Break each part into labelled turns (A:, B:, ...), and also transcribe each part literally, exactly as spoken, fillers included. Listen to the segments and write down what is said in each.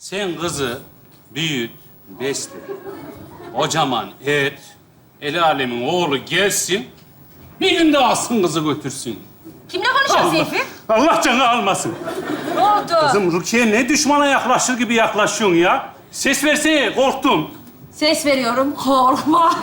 A: Sen kızı büyüt, besle. Kocaman et. El alemin oğlu gelsin. Bir günde alsın kızı götürsün.
B: Kimle konuşuyorsun Seyfi?
A: Allah canı almasın.
B: Ne oldu?
A: Kızım Rukiye ne düşmana yaklaşır gibi yaklaşıyorsun ya. Ses versene, korktum.
B: Ses veriyorum, korkma.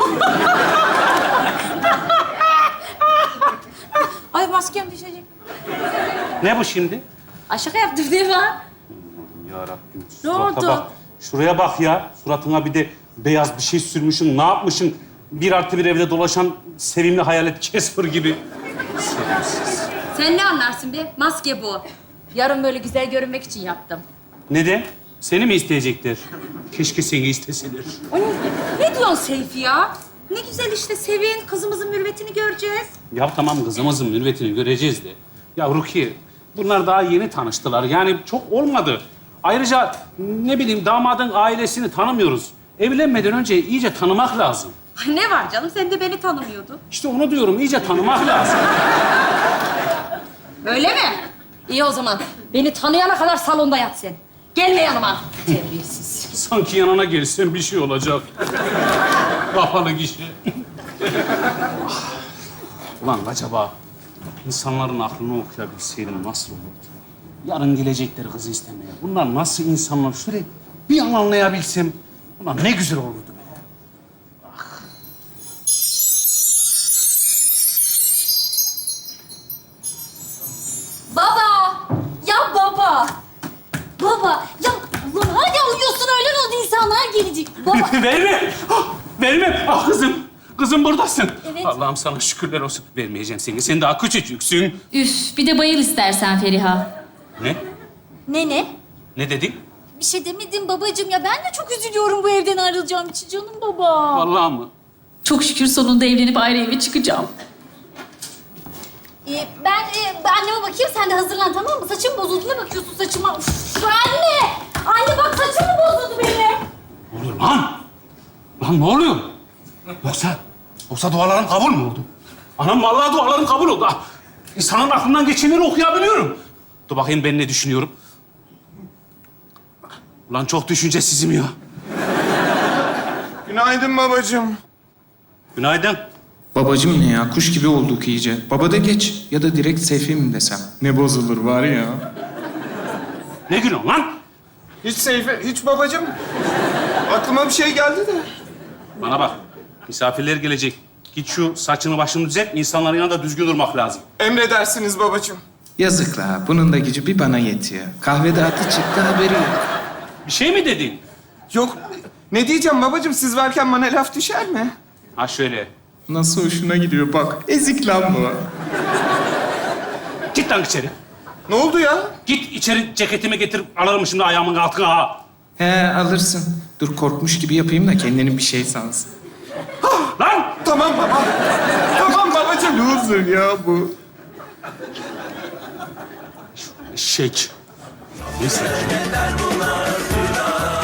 B: Ay maskem düşecek.
A: Ne bu şimdi?
B: Ay şaka yaptım değil mi?
A: Ya Rabbim.
B: Ne
A: surata
B: oldu?
A: Bak. Şuraya bak ya. Suratına bir de beyaz bir şey sürmüşsün. Ne yapmışsın? Bir artı bir evde dolaşan sevimli hayalet Casper gibi. Sevimsiz.
B: Sen ne anlarsın be? Maske bu. Yarın böyle güzel görünmek için yaptım.
A: Neden? Seni mi isteyecekler? Keşke seni isteseler.
B: Ay, ne diyorsun Seyfi ya? Ne güzel işte sevin, kızımızın mürüvvetini göreceğiz.
A: Ya tamam kızımızın mürvetini göreceğiz de. Ya Rukiye, bunlar daha yeni tanıştılar. Yani çok olmadı. Ayrıca ne bileyim damadın ailesini tanımıyoruz. Evlenmeden önce iyice tanımak lazım.
B: Ay ne var canım, sen de beni tanımıyordun.
A: İşte onu diyorum, iyice tanımak lazım.
B: Öyle mi? İyi o zaman. Beni tanıyana kadar salonda yat sen. Gelme yanıma. Terbiyesiz.
A: Sanki yanına gelsen bir şey olacak. Kapalı gişe. Ulan acaba insanların aklını okuyabilseydim nasıl olurdu? Yarın gelecekler kızı istemeye. Bunlar nasıl insanlar? Şöyle bir an anlayabilsem. Ulan ne güzel olurdu be.
B: Baba! Ya baba! Baba! Ya ulan hadi uyuyorsun, öğlen oldu, insanlar gelecek. Baba!
A: Verme! Ah, verme! Ah kızım! Kızım buradasın.
B: Evet.
A: Allah'ım sana şükürler olsun. Vermeyeceğim seni. Sen daha küçücüksün.
C: Üf, bir de bayıl istersen Feriha.
A: Ne?
B: Ne ne?
A: Ne dedin?
B: Bir şey demedim babacığım ya. Ben de çok üzülüyorum bu evden ayrılacağım için canım baba.
A: Vallahi mı?
C: Çok şükür sonunda evlenip ayrı eve çıkacağım.
B: Ee, ben e, anneme bakayım, sen de hazırlan tamam mı? Saçım bozuldu, ne bakıyorsun saçıma? Uf, anne! Anne bak saçım mı bozuldu benim?
A: Ne oluyor lan? Lan ne oluyor? Yoksa, yoksa dualarım kabul mü oldu? Anam vallahi dualarım kabul oldu. Ah, İnsanın aklından geçenleri okuyabiliyorum. Dur bakayım ben ne düşünüyorum. Ulan çok düşüncesizim ya.
D: Günaydın babacığım.
A: Günaydın.
D: Babacığım ne ya? Kuş gibi olduk iyice. Baba da geç ya da direkt Seyfi mi desem? Ne bozulur var ya.
A: Ne günah lan?
D: Hiç Seyfi, hiç babacığım. Aklıma bir şey geldi de.
A: Bana bak. Misafirler gelecek. Git şu saçını başını düzelt. İnsanların yanında düzgün durmak lazım.
D: Emredersiniz babacığım.
E: Yazık la. Bunun da gücü bir bana yetiyor. Kahvede atı çıktı haberi yok.
A: Bir şey mi dedin?
D: Yok, ne diyeceğim babacığım? Siz varken bana laf düşer mi?
A: Ha şöyle.
E: Nasıl hoşuna gidiyor bak. Ezik lan bu.
A: Git lan içeri.
D: Ne oldu ya?
A: Git içeri ceketimi getir. Alırım şimdi ayağımın altına ha.
E: He alırsın. Dur korkmuş gibi yapayım da kendini bir şey sansın.
A: Lan!
D: Tamam baba. Tamam babacığım.
E: Loser ya bu.
A: Eşek. Neyse.